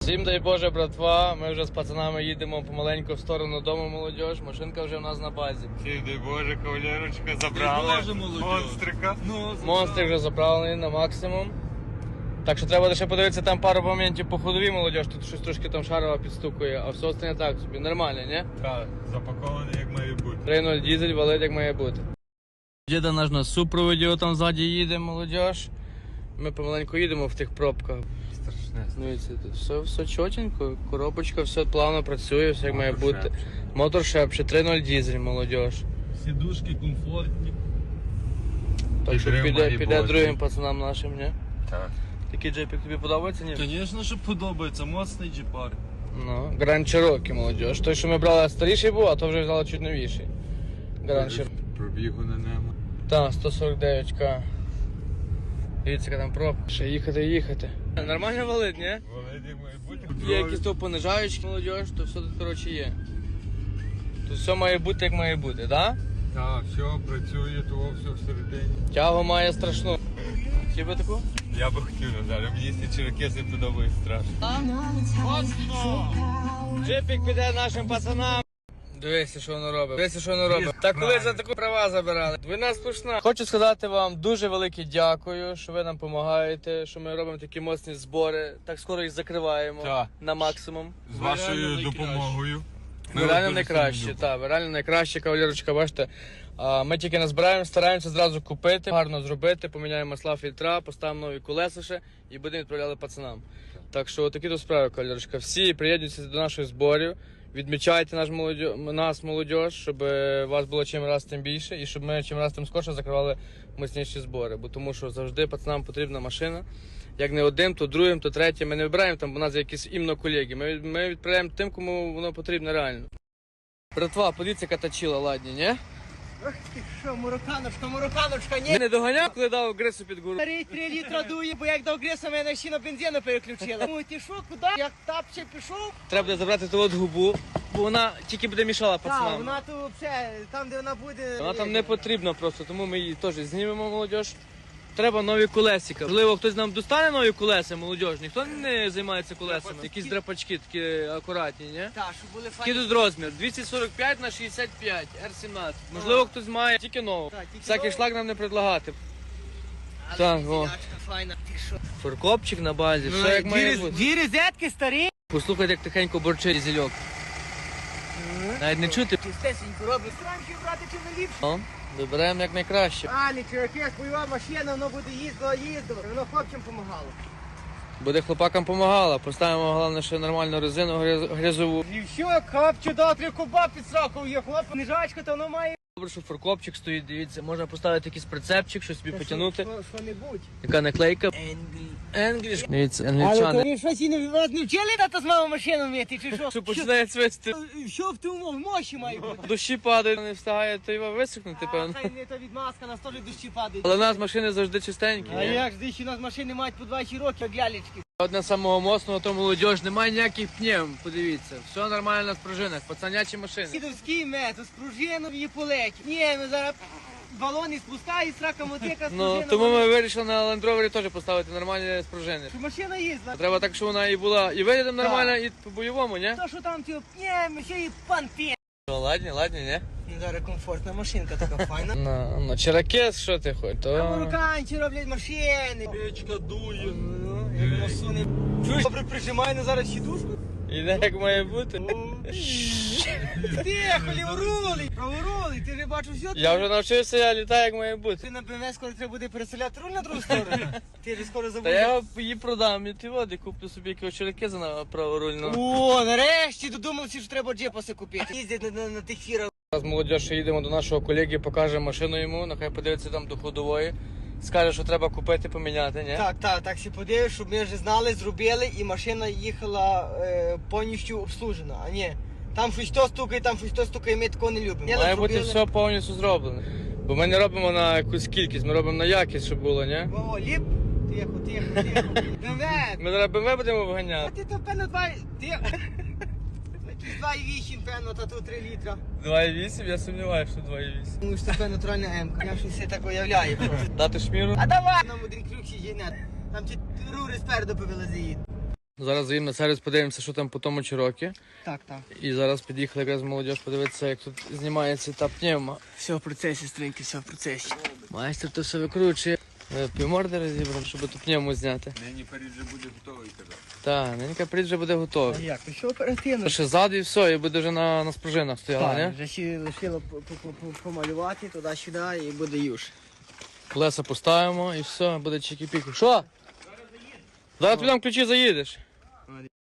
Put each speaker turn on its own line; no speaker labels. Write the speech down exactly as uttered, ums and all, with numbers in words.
Всім дай Боже, братва, ми вже з пацанами їдемо помаленьку в сторону дому, молодіж. Машинка вже в нас на базі.
Всім дай Боже, кавалерочка, забрали монстрика.
Ну, монстрик вже заправлений на максимум. Так що треба лише подивитися там пару моментів по ходовій, молодіж. Тут щось трошки там шарова підстукує, а все остальне так собі. Нормально, ні?
Так, запакований як має бути.
три нуль дізель валить як має бути. Діда наш на супроводі там ззаді їде, молодіж. Ми помаленьку їдемо в тих пробках.
Страшне.
Ну, це тут все, все чотенько, коробочка, все плавно працює, все як має бути. Мотор шепче, три нуль дізель, молодіж.
Сідушки комфортні.
Так що піде, піде другим пацанам нашим, ні?
Так.
Такий джепік тобі подобається, ні?
Звісно, що подобається, моцний джипар.
Ну, Гранд Чирокі, молодіж. Той, що ми брали старіший був, а то вже взяли чуть новіший. Гранд Чирокі.
Пробігу на ньому.
Так, сто сорок дев'ять ка. Дивіться, яка там пробка. Ще їхати і їхати. Нормально валить, ні?
Валить як має бути.
Є якісь то понижаючки, молодіж, то все тут, коротше, є. Тут все має бути, як має бути, так?
Так, все, працює, того все всередині.
Тягу має страшну. Хотів би таку?
Я би хотів, Назар, мені ці черокеси подобається страшно.
Джипік піде нашим пацанам. Дивися, що воно робить. Дивися, що воно робить. Так коли за таку права забирали. Ви нас пушна. Хочу сказати вам дуже велике дякую, що ви нам допомагаєте, що ми робимо такі моцні збори. Так скоро їх закриваємо
Так.
на максимум.
З вашою допомогою.
Ви реально найкраще, так, ви реально найкраще, кавалерочка, бачите. А, ми тільки назбираємо, стараємося зразу купити, гарно зробити, поміняємо масла, фільтра, поставимо нові колеса ще і будемо відправляти пацанам. Так що такі то справи, кавалерочка. Всі приєднуйтеся до наших зборів, відмічайте наш молодь... нас, молодь, щоб вас було чим раз тим більше і щоб ми чим раз тим скорше закривали мощніші збори. Бо тому що завжди пацанам потрібна машина. Як не одним, то другим, то третім. Ми не вибираємо там, бо у нас є якісь іменно колеги. Ми, ми відправляємо тим, кому воно потрібно реально. Братва, подивіться, яка точила, ладні, ні?
Ах ти що, мураканочка, мураканочка, ні.
Ти не доганяв, коли дав грису під гору?
Старий три літра дує, бо як дав гриса, мене ще на бензину переключила. Ну ти що, куди? Як тапче пішов?
Треба буде забрати ту от губу, бо вона тільки буде мішала
Так,
пацанам.
вона тут все, там де вона буде.
Вона там не потрібна просто, тому ми її теж знімемо, молодь. Треба нові колесика. Можливо, хтось нам достане нові колеса, молодь. Ніхто не займається колесами. Якісь драпачки такі акуратні, ні?
Так, щоб були
Який
файні.
тут розмір? двісті сорок п'ять на шістдесят п'ять, ер сімнадцять. Можливо, хтось має тільки нову.
Так, тільки
Всякий
нову.
шлак нам не предлагати.
Але
Так, о.
зілячка файна. Ти що?
Форкопчик на базі,
Ну,
все як має
дві,
бути.
дві розетки старі.
Послухайте, як тихенько борчить зільок. Навіть не чути.
Чистесенько робить. Странки брати чи не ліпше.
О, вибираємо як найкраще.
А, не чувакес, бойова машина, воно буде їздила, їздила. Воно хлопцям допомагало.
Буде хлопакам помагала. Поставимо, головне, ще нормальну резину гряз- грязову.
І що, хлопче, дав три куба під сроком є, хлоп, книжачка, то воно має.
Добре, що форкопчик стоїть, дивіться, можна поставити якийсь прицепчик, щось собі потягнути.
Що, що-небудь.
Яка наклейка.
Енглі.
English. Дивіться,
Але
англічани.
тобі щось і не, вас не вчили тата з мамою машину вміти, чи що?
Що починає цвисти.
Що, що в тому в мощі має бути?
Дощі падають, не встигає, то його висохнути,
А,
певно.
хай не то відмазка, нас теж дощі падають.
Але в нас машини завжди чистенькі.
А
ні?
як ж десь у нас машини мають по двадцять років, як лялечки.
Одне самого моцного, то молодіж, немає ніяких пнів, подивіться. Все нормально на спружинах, пацанячі машини.
Сідовський метод, з пружином і полеті. Ні, ми зараз балони спускають, срака мотика з
Ну,
пружином.
тому ми вирішили на Land Rover теж поставити нормальні спружини.
Що машина їздила.
Треба так, щоб вона і була і виглядом нормально, і по-бойовому, ні?
То, що там, типу, ні, ми ще і панпі.
Ну, ладні, ладні, ні?
Ну, зараз комфортна машинка така файна.
Ну, ну, черакес, що ти хоч,
А
то...
марокканці роблять машини.
Печка дує.
Ну, як воно суне. Чуєш, добре прижимай на зараз сідушку.
Іде як має бути.
Тихо, ліворулий, праворулий, ти вже бачив все.
Я вже навчився, я літаю як має бути.
Ти на БМВ скоро треба буде переселяти руль на другу сторону. Ти вже скоро
Та
забудеш.
я його її продам, і ти води, куплю собі якогось черакеза на праворульну.
О, нарешті додумався, що треба джепаси купити. Їздять на, на, на тих фірах.
Зараз молодь, що їдемо до нашого колеги, покажемо машину йому, нехай подивиться там до ходової. Скаже, що треба купити, поміняти, ні?
Так, так, так всі подивиш, щоб ми вже знали, зробили, і машина їхала е, повністю обслужена. А ні, там щось то стукає, там щось то стукає, ми такого не любимо. Ні,
Має
зробили.
бути все повністю зроблено. Бо ми не робимо на якусь кількість, ми робимо на якість, щоб було, ні?
О, ліп. Тихо, тихо, тихо. БМВ.
Ми зараз БМВ будемо
А
виганяти.
ти то, певно, два... Тихо. Якісь два і вісім, певно, та тут три літра.
два і вісім, я сумніваюся, що два і вісім.
Ну, що це натуральна М-ка. Я щось все так уявляю.
Дати шміру?
А давай! Нам один ключ і жінет. Там ті рури спереду повилазить.
Зараз заїдемо на сервіс, подивимося, що там по тому Чирокі.
Так, так.
І зараз під'їхали якраз молодіж подивитися, як тут знімається та пневма.
Все в процесі, стринки, все в процесі.
Майстер то все викручує. Е, Півморди розібрав, щоб ту пневму зняти.
Нині Париж вже буде готовий тебе.
Так, ненька прийде вже буде
А
готовий.
як? То що оперативно?
Ще ззаду і все, і буде вже на, на спружинах стояла,
Так,
не?
вже ще лишило по- по- по- помалювати туди-сюди і буде юж.
Колеса поставимо і все, буде чики-піки. Що? Зараз підемо ключі заїдеш.